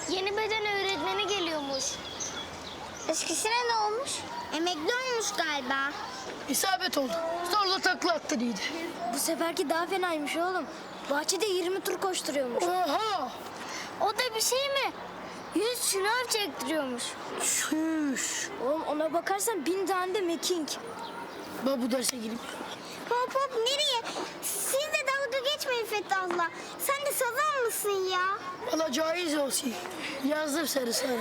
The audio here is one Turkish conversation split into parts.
Yeni beden öğretmeni geliyormuş. Eskisine ne olmuş? Emekli olmuş galiba. İsabet oldu. Zorla takla attırıydı. Bu seferki daha fenaymış oğlum. Bahçede 20 tur koşturuyormuş. Oha! O da bir şey mi? 100 şınav çektiriyormuş. Şuş. Oğlum ona bakarsan 1000 tane de mekink. Ben bu derse gireyim. Hop hop nereye? Siz de dalga geçmeyin Fethullah. Sen de sazan mısın ya? Valla caiz olsun. Yazdım seni sana.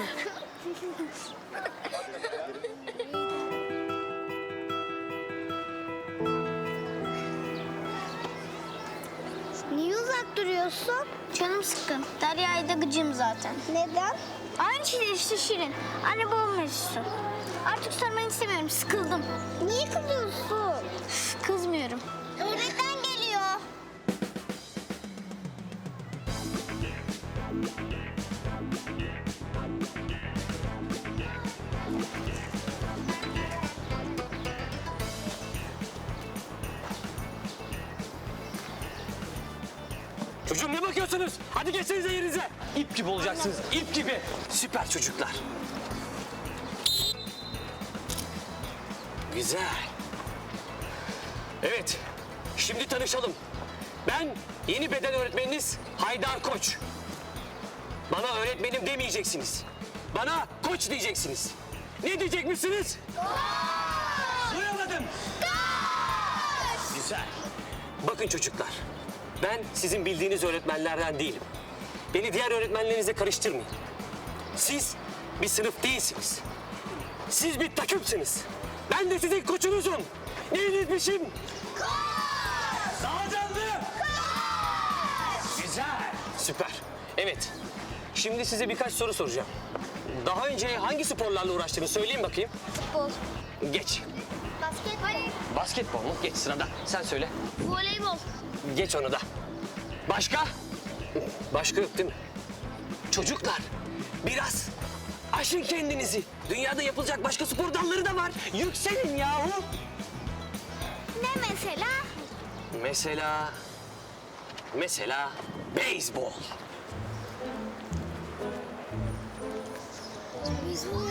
Niye uzak duruyorsun? Canım sıkkın. Derya'yı da gıcığım zaten. Neden? Aynı şey işte Şirin. Anne babam mevzusu. Artık sormanı istemiyorum. Sıkıldım. Niye kızıyorsun? Kızmıyorum. Öğretmen geliyor. Çocuğum ne bakıyorsunuz? Hadi geçsenize yerinize. İp gibi olacaksınız, ip gibi. Süper çocuklar. Güzel. Evet, şimdi tanışalım. Ben yeni beden öğretmeniniz Haydar Koç. Bana öğretmenim demeyeceksiniz. Bana koç diyeceksiniz. Ne diyecekmişsiniz? Koç! Duyamadım. Koç! Güzel. Bakın çocuklar, ben sizin bildiğiniz öğretmenlerden değilim. Beni diğer öğretmenlerinize karıştırmayın. Siz bir sınıf değilsiniz. Siz bir takımsınız. Ben de sizin koçunuzum. Neyinizmişim? Koç! Daha canlı! Koç! Güzel. Süper. Evet. Şimdi size birkaç soru soracağım. Daha önce hangi sporlarla uğraştığını söyleyin bakayım. Futbol, Geç. basketbol, Basketbol mu? Geç sırada. Sen söyle. voleybol. Geç onu da. Başka? Başka yok değil mi? Çocuklar biraz aşın kendinizi. Dünyada yapılacak başka spor dalları da var. Yükselin yahu. Ne mesela? Mesela beyzbol. Beyzbol.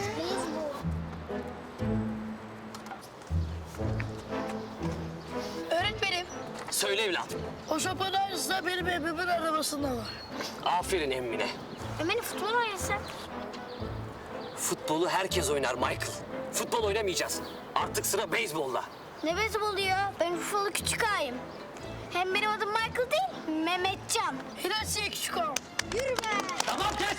Öğretmenim, Söyle evladım. o şapanın aynısı da benim evimin arabasında var. Aferin emmine. Beni futbol oynasak. Futbolu herkes oynar Michael. Futbol oynamayacağız. Artık sıra beyzbolda. Ne beyzbolu ya? Ben Urfalı küçük ağayım. Hem benim adım Michael değil, Mehmetcan. Hilasiye küçük ağam. Yürü be! Tamam kes.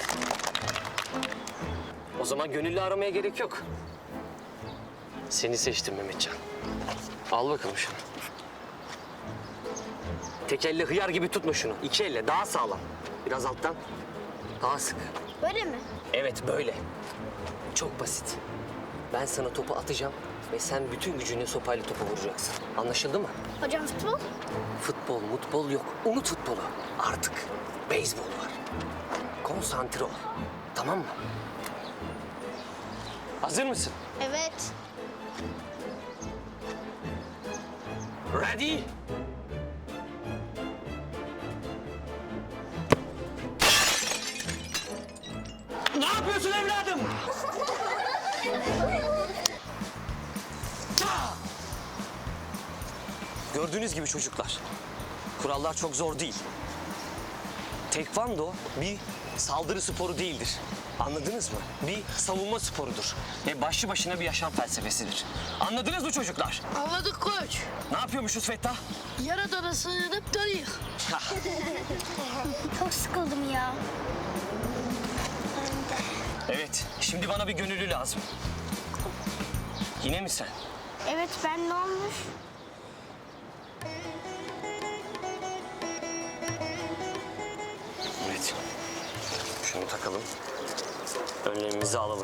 O zaman gönüllü aramaya gerek yok. Seni seçtim Mehmetcan. Al bakalım şunu. Tek elle hıyar gibi tutma şunu. İki elle daha sağlam. Biraz alttan. Daha sık. Böyle mi? Evet böyle. Çok basit. Ben sana topu atacağım ve sen bütün gücünle sopayla topu vuracaksın. Anlaşıldı mı? Hocam futbol? Futbol yok. Unut futbolu. Artık beyzbol var. Konsantre ol. Tamam mı? Hazır mısın? Evet. Ready? Ne yapıyorsun evladım? Gördüğünüz gibi çocuklar, kurallar çok zor değil. Tekvando bir saldırı sporu değildir. Anladınız mı? Bir savunma sporudur. Ve başlı başına bir yaşam felsefesidir. Anladınız mı çocuklar? Anladık koç. Ne yapıyormuşuz Fettah? Yaradana sığınıp dönüyor. Çok sıkıldım ya. Evet, şimdi bana bir gönüllü lazım. Yine mi sen? Evet, ben ne olmuş? Evet. Şunu takalım. Önlemimizi alalım.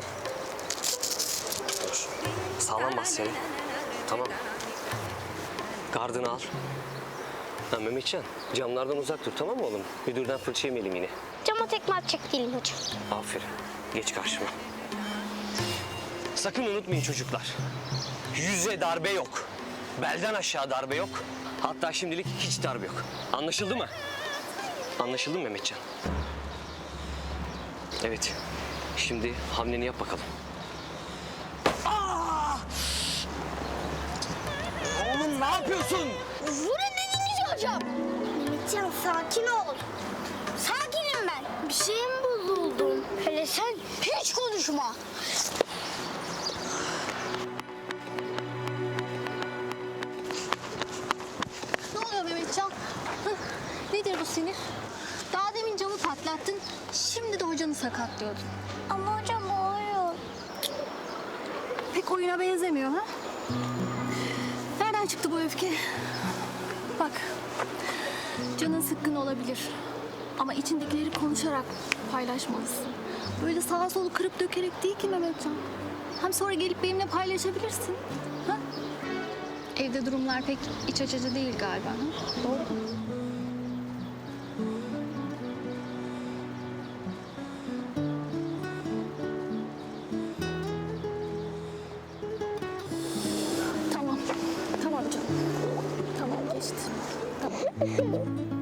Dur. Sağlam bas seni. Tamam. Gardını al. Ha Mehmetcan, camlardan uzak dur tamam mı oğlum? Müdürden fırça yemeyelim yine. Cama tekme atacak değilim hocam. Aferin. Geç karşıma. Sakın unutmayın çocuklar. Yüze darbe yok. Belden aşağı darbe yok. Hatta şimdilik hiç darbe yok. Anlaşıldı mı? Anlaşıldı mı Mehmetcan? Evet. Şimdi hamleni yap bakalım. Oğlum ne yapıyorsun? Vurun dediğinizi hocam. Mehmetcan sakin ol. Sakinim ben. Bir şey mi bozuldun? Hele sen hiç konuşma. Ne oluyor Mehmetcan? Hıh, nedir bu sinir? Daha demin camı patlattın, şimdi de hocanı sakatlıyordun. Ama hocam o oyun. Pek oyuna benzemiyor ha? Nereden çıktı bu öfke? Bak, canın sıkkın olabilir. Ama içindekileri konuşarak paylaşmalısın. Böyle sağa solu kırıp dökerek değil ki Mehmetcan. Hem sonra gelip benimle paylaşabilirsin. Ha? Evde durumlar pek iç açıcı değil galiba. Ha? Doğru mu? Tamam. Tamam canım. Tamam geçti. Tamam.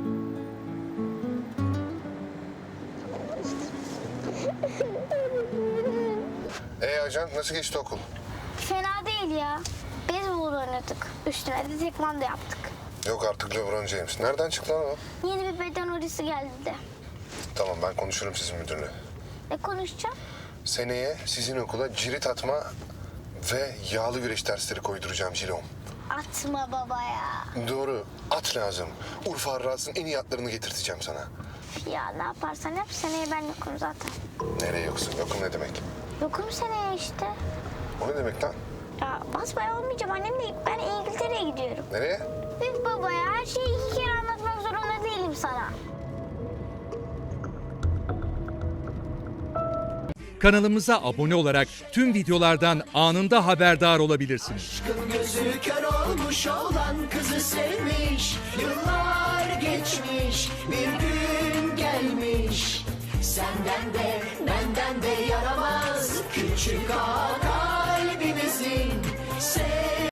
Ajan nasıl geçti okul? Fena değil ya. Beyzbol oynadık. Üstüne de tekvando yaptık. Yok artık LeBron James. Nereden çıktı lan o? Yeni bir beden hocası geldi de. Tamam ben konuşurum sizin müdürle. Ne konuşacağım? Seneye sizin okula cirit atma ve yağlı güreş dersleri koyduracağım Cilom. Atma baba ya. Doğru. At lazım. Urfa Arras'ın en iyi atlarını getirteceğim sana. Ya ne yaparsan yap seneye ben yokum zaten. Nereye yoksun? Yokum ne demek? Yokum seneye işte. O ne demek lan? Ya basbaya olmayacağım annemle ben İngiltere'ye gidiyorum. Nereye? Üf baba ya her şeyi 2 kere anlatmak zorunda değilim sana. Kanalımıza abone olarak tüm videolardan anında haberdar olabilirsiniz. Aşkın gözü kör olmuş olan kızı sevmiş. Yıllar geçmiş, bir gün gelmiş. Senden de benden de yaramaz küçük ağa kalbimizin.